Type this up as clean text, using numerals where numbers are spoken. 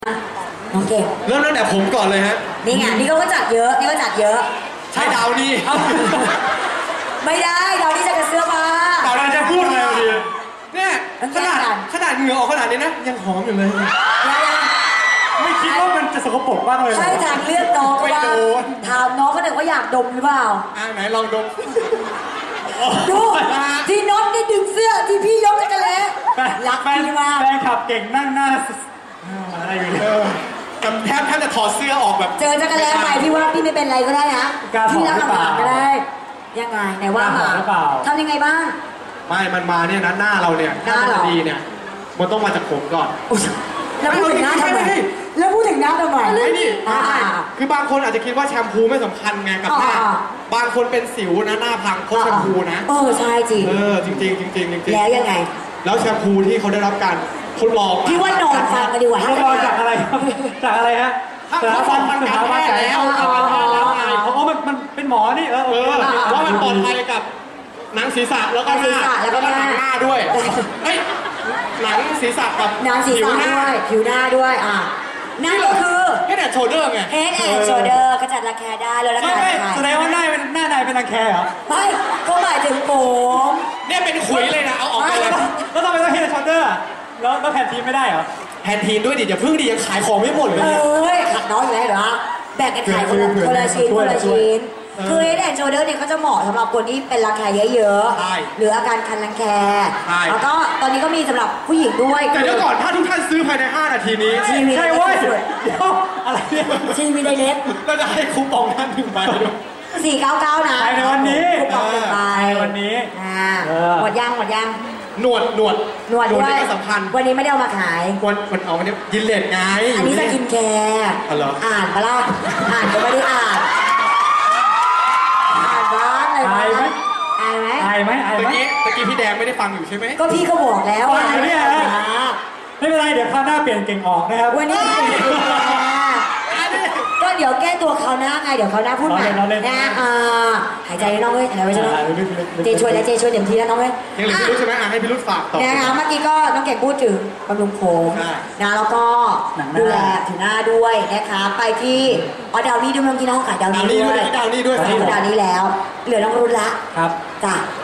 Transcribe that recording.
น้องเก่งเริ่มตั้งแต่ผมก่อนเลยฮะนี่ไงนี่ก็จัดเยอะนี่ก็จัดเยอะใช่ดาวนี่ไม่ได้ดาวนี่จะกับเสื้อผ้าดาวนี่จะพูดอะไรดีเนี่ยขนาดเหงื่อออกขนาดนี้นะยังหอมอยู่เลยไม่คิดว่ามันจะสกปรกบ้างเลยใช่ทางเลือกน้องก็ว่าถามน้องก็เด็กว่าอยากดมหรือเปล่าไหนลองดมดูที่น็อตนี่ดึงเสื้อที่พี่ยกกันแล้วรักพี่มากแฟนขับเก่งนั่งหน้าอะไรอยู่แทบจะถอดเสื้อออกแบบเจอจักรแล้ใหม่พี่ว่าพี่ไม่เป็นไรก็ได้นะพี่รักลำบากก็ได้ยังไงไหนว่ามาทำยังไงบ้างไม่มันมาเนี่ยนะหน้าเราเนี่ยหน้าเราดีเนี่ยมันต้องมาจากผมก่อนแล้วพูดถึงหน้าทำไมแล้วพูดถึงหน้าทำไมไม่นี่คือบางคนอาจจะคิดว่าแชมพูไม่สำคัญไงกับหน้าบางคนเป็นสิวนะหน้าพังเพราะแชมพูนะใช่จริงจริงจริงจริงแล้วยังไงแล้วแชมพูที่เขาได้รับการทดลองพี่ว่านอนฟังกันดีกว่าทดลองจากอะไรครับจากอะไรฮะถ้าฟันมันการแพทย์แล้วเพราะมันเป็นหมอนี่ว่ามันปลอดภัยกับหนังศีรษะแล้วก็หน้าด้วยหนังศีรษะกับหนังศีรษะด้วยผิวหน้าด้วยนั่นก็คือ Head and Shoulder ไง Head and Shoulder กระจัดรังแคได้เลยแล้วกันแสดงว่าหน้าในเป็นรังแคเหรอไม่ก็หมายถึงผมเนี่ยเป็นขุยเลยนะเอาออกไปเลยแล้วทำไมต้อง Head and Shoulder แล้วแผ่นทีมไม่ได้เหรอแผ่นทีมด้วยดิอย่าพึ่งดิยังขายของไม่หมดเลยขัดน้อยอยู่แล้วเหรอแบ่งกันขายคนละชิ้นคือ Head and Shoulder เนี่ยเขาจะเหมาะสำหรับคนที่เป็นรังแคเยอะๆหรืออาการคันรังแคแล้วก็ตอนนี้ก็มีสำหรับผู้หญิงด้วยแต่เดี๋ยวก่อนถ้าทุกท่านซื้อภายใน5 นาทีนี้ใช่เว้ยอะไรเนี่ยทีวีไดเรกเราจะให้คูปองท่าน1 ใบด้วย 499นะในวันนี้คูปอง1 ใบวันนี้หมดยังหนวดด้วยสำคัญวันนี้ไม่ได้เอามาขายวันเอาวันนี้ยินเลดไงอันนี้สกินแคร์อ่านปะล่ะอ่านก็ไม่ได้อ่านบ้างเลยอายไหมตะกี้พี่แดงไม่ได้ฟังอยู่ใช่ไหมก็พี่ก็บอกแล้วว่าไม่เป็นไรเดี๋ยวคราวหน้าเปลี่ยนเก่งออกนะครับวันนี้ก็เดี๋ยวแก้ตัวคราวหน้าไงเดี๋ยวคราวหน้าพูดใหม่นะหายใจน้องเว้ยหายใจไว้ใช่ไหมเจช่วยแล้วเจช่วยเต็มที่แล้วน้องเว้ยยังเหลือพี่รุ่ใช่ไหมให้พี่รุ่ฝากต่อนะคะเมื่อกี้ก็น้องเก่งพูดถึงบำรุงผมนะแล้วก็ดูแลผิวหน้าด้วยนะคะไปที่ดาวนี่ด้วยเมื่อกี้น้องขายดาวนี่ด้วยดาวนี่แล้วเหลือน้องรุ่นละครับจ้ะ